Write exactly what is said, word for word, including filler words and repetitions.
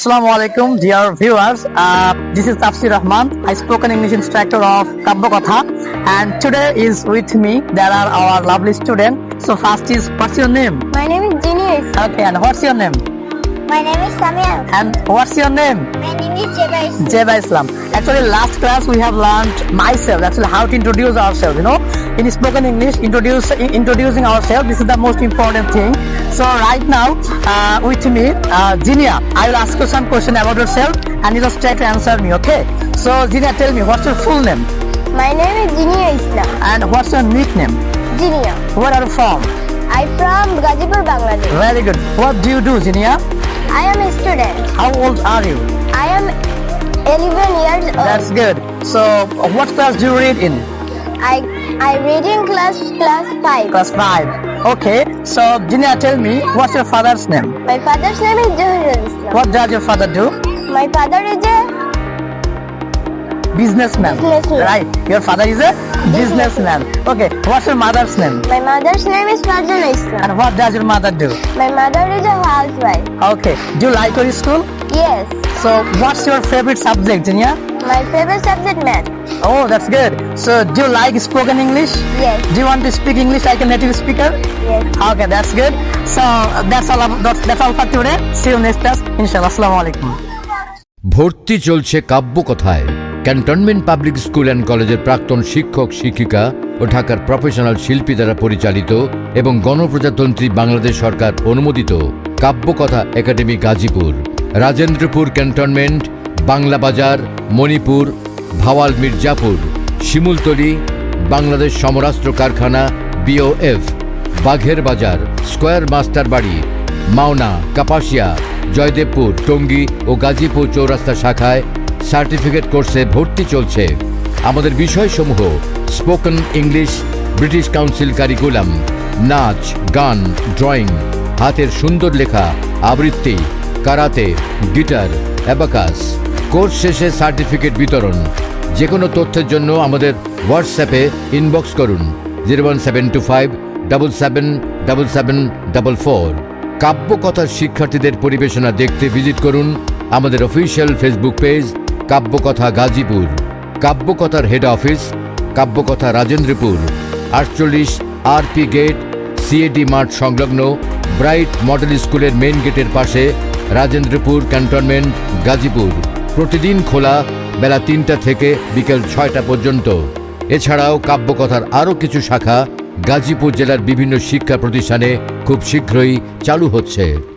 Assalamu alaikum, dear viewers. Uh, this is Tafsir Rahman, I spoken English instructor of Kabbo Kotha, and today is with me. There are our lovely students. So first is, what's your name? My name is Genius. Okay, and what's your name? My name is Samia. And what's your name? My name is Jeba Islam. Jeba Islam. Actually, last class we have learned myself. Actually, how to introduce ourselves. You know, in spoken English, introduce in- introducing ourselves. This is the most important thing. So right now, uh, with me, uh, Jinia, I will ask you some question about yourself, and you just try to answer me. Okay? So Jinia, tell me, what's your full name? My name is Jinia Islam. And what's your nickname? Jinia. Where are you from? I'm from Gazipur, Bangladesh. Very good. What do you do, Jinia? I am a student. How old are you? I am eleven years old. That's good. So, what class do you read in? I I read in class class five. Class five. Okay. So, Jinia, tell me, what's your father's name? My father's name is Johirul Islam. What does your father do? My father is a Businessman. Businessman. Right. Your father is a businessman. Okay. What's your mother's name? my mother's name is Farjana Islam. And what does your mother do? My mother is a housewife. Okay. Do you like your school? Yes. So, what's your favorite subject, Jinia? My favorite subject math. Oh, that's good. So, do you like spoken English? Yes. Do you want to speak English like a native speaker? Yes. Okay, that's good. So, uh, that's all. About, that's, that's all for today. See you next class. Inshallah. Assalamu alaikum. ভর্তি চলছে কাব্য কথায়। Cantonment public school and কলেজের প্রাক্তন শিক্ষক শিক্ষিকা ও ঢাকার professional শিল্পী দ্বারা পরিচালিত এবং গণপ্রজাতন্ত্রী বাংলাদেশ সরকার অনুমোদিত কাব্য কথা একাডেমি গাজীপুর, রাজেন্দ্রপুর ক্যান্টনমেন্ট, বাংলা বাজার, মণিপুর, ভাওয়াল মির্জাপুর, শিমুলতলি, বাংলাদেশ সমরাস্ত্র কারখানা বিওএফ, বাঘের বাজার, স্কয়ার মাস্টার বাড়ি, মাওনা, কাপাসিয়া, জয়দেবপুর, টঙ্গী ও গাজীপুর চৌরাস্তা শাখায় সার্টিফিকেট কোর্সে ভর্তি চলছে। আমাদের বিষয়সমূহ spoken English, British council curriculum, নাচ, গান, ড্রয়িং, হাতের সুন্দর লেখা, আবৃত্তি, কারাতে, গিটার, অ্যাবাকাস। কোর্স শেষে সার্টিফিকেট বিতরণ। যে কোনো তথ্যের জন্য আমাদের হোয়াটসঅ্যাপে ইনবক্স করুন zero one seven two five double seven double seven double four. কাব্যকথার শিক্ষার্থীদের পরিবেশনা দেখতে ভিজিট করুন আমাদের official Facebook page Kabyakatha Gazipur. কাব্যকথার হেড অফিস কাব্যকথা রাজেন্দ্রপুর, আটচল্লিশ আরপি গেট, সিএডি মাঠ সংলগ্ন ব্রাইট মডেল স্কুলের মেইন গেটের পাশে, রাজেন্দ্রপুর ক্যান্টনমেন্ট, গাজীপুর। প্রতিদিন খোলা বেলা তিনটা থেকে বিকেল ছয়টা পর্যন্ত। এছাড়াও কাব্যকথার আরও কিছু শাখা গাজীপুর জেলার বিভিন্ন শিক্ষা প্রতিষ্ঠানে খুব শীঘ্রই চালু হচ্ছে।